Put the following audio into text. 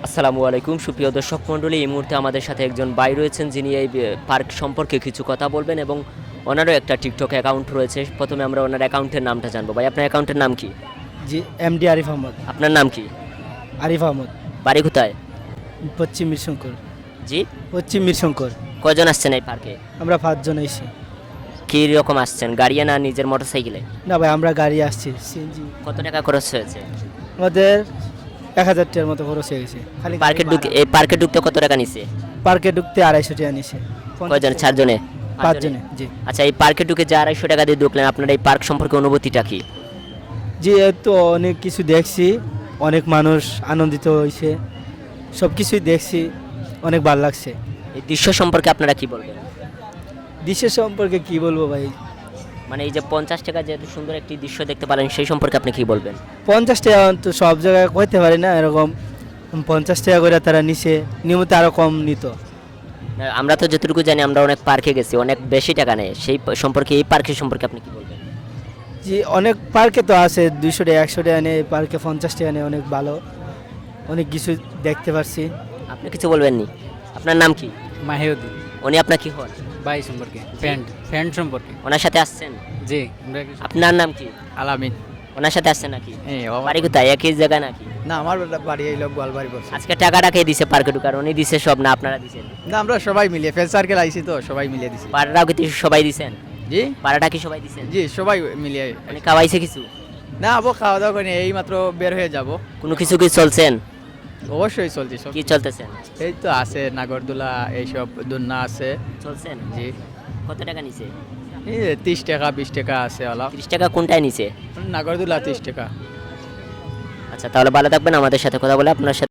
আসসালামু আলাইকুম সুপ্রিয় দর্শক মণ্ডলী, এই মুহূর্তে আমাদের সাথে একজন ভাই রয়েছেন যিনি এই পার্ক সম্পর্কে কিছু কথা বলবেন এবং ওনারও একটা টিকটক অ্যাকাউন্ট রয়েছে। প্রথমে আমরা ওনার অ্যাকাউন্টের নামটা জানবো। ভাই, আপনার অ্যাকাউন্টের নাম কি? জি, এমডি আরিফ আহমদ। আপনার নাম কি? আরিফ আহমদ, বাড়ি কোথায়? পশ্চিম মিরশঙ্কর। জি, পশ্চিম মিরশঙ্কর। কজন আসছেন এই পার্কে? আমরা 5 জন এসেছি। কী রকম আসছেন, গাড়িয়ে না নিজের মোটরসাইকেলে? না ভাই, আমরা গাড়ি আসছি সিএনজি। কত টাকা খরচ হয়েছে? আমাদের 1000 টাকার মতো খরচ হয়ে গেছে। খালি এই পার্কে ঢুকতে কত টাকা নিছে? পার্কে ঢুকতে 250 টাকা নিছে। কয়জন? 4 জনে? 5 জনে। জি আচ্ছা, এই পার্কে ঢুকে যে 250 টাকা দিয়ে ঢুকলেন, আপনার এই পার্ক সম্পর্কে অনুভূতিটা কি? জি, এই তো অনেক কিছু দেখছি, অনেক মানুষ আনন্দিত হয়েছে, সব কিছুই দেখছি, অনেক ভালো লাগছে। এই দৃশ্য সম্পর্কে আপনারা কি বলবেন? দেশের সম্পর্কে কি বলবো ভাই, মানে এই যে 50 টাকা যে এত সুন্দর একটি দৃশ্য দেখতে পারেন, সেই সম্পর্কে আপনি কি বলবেন? 50 টাকা তো সব জায়গায় কইতে পারি না, এরকম 50 টাকা করে তারা নিছে, নিয়মিত আরও কম নিত। আমরা তো যতটুকু জানি, আমরা অনেক পার্কে গেছি, অনেক বেশি টাকা নেয়। সেই সম্পর্কে, এই পার্কের সম্পর্কে আপনি কি বলবেন? জি, অনেক পার্কে তো আছে 200 টাকা 100 টাকা নেই, পার্কে 50 টাকা নেই, অনেক ভালো, অনেক কিছু দেখতে পারছি। আপনি কিছু বলবেন নি? আপনার নাম কি? মাহিউদ্দিন। উনি আপনার কি হন? ভাই সম্পর্কে, ফ্রেন্ড সম্পর্কে। ওনার সাথে আসছেন? জি, আপনার নাম কি? আলামিন। ওনার সাথে আসছেন নাকি? হ্যাঁ, বাড়ি কোথায়, একই জায়গায় নাকি? না, আমার বাড়ি এই লোক গোয়ালবাড়ি বলছে। আজকে টাকাটা কে দিছে পার্কে ঢুকার? উনি দিছে সব না আপনারা দিছেন? না, আমরা সবাই মিলিয়ে ফ্রেন্ড সার্কেল আইছি তো সবাই মিলিয়ে দিছি। পাড়াটাও কি সবাই দিছেন? জি পাড়াটা কি সবাই দিছেন? জি, সবাই মিলিয়ে। উনি খাওয়াইছে কিছু? না, আবো খাওয়া দাওয়া করে এই মাত্র বের হয়ে যাব। কোনো কিছু কি চলছেন? অবশ্যই চলছে সব। কি চলতেছেন? এই তো আছে নাগরদোলা, এইসব দুন্না আছে। চলছেন? জি, কত টাকা নিছে? এই 30 টাকা 20 টাকা আছে ওলা। 30 টাকা কোনটায় নিছে? নাগরদোলা 30 টাকা। আচ্ছা, তাহলে ভালো থাকবেন। আমাদের সাথে কথা বলে আপনার সাথে